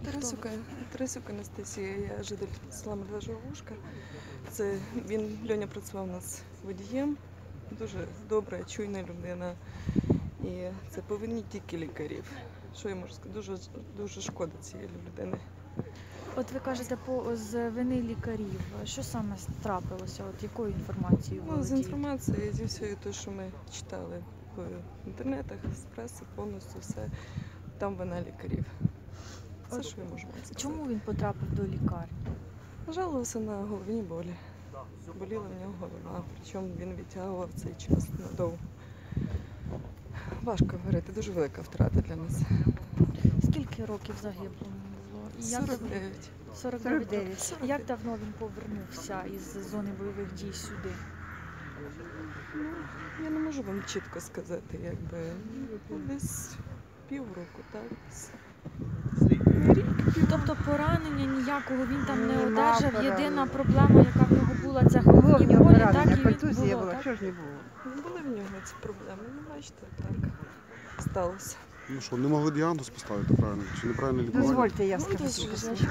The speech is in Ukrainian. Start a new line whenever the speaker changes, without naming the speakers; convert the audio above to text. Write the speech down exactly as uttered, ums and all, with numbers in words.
Тарасюка, Тарасюк Анастасія, я житель села Медвежого Вушка. Це він, Льоня працював у нас водієм, дуже добра, чуйна людина. І це повинні тільки лікарів. Що я можу сказати? Дуже, дуже шкода цієї людини.
От ви кажете, по, з вини лікарів. Що саме трапилося? От якою інформацією
Ну, з
володієте?
інформацією, зі всього того, що ми читали в інтернетах, з преси, повністю все, там вина лікарів. Це, що я можу вам сказати.
Чому він потрапив до лікарні?
Жалувався на головні болі. Боліла в нього голова, причому він відтягував цей час надовго. Важко говорити, дуже велика втрата для нас.
Скільки років загиблому було? І як
сорок
давно-
дев'ять.
сорок дев'ять. Як давно він повернувся із зони бойових дій сюди?
Ну, я не можу вам чітко сказати, якби ну, десь півроку, так? десь.
Тобто поранення ніякого він там не
Нема
одержав.
поранення.
Єдина проблема, яка в нього була, це
Було в
головні
нього
болі,
поранення,
так і
контузія
було.
була,
Так?
чого ж не було?
Не були в нього ці проблеми, ну бачите, так сталося.
Ну що, не могли діагноз поставити правильно? Чи неправильно лікування?
Дозвольте, я
Ну,
скажу.
дозвольте.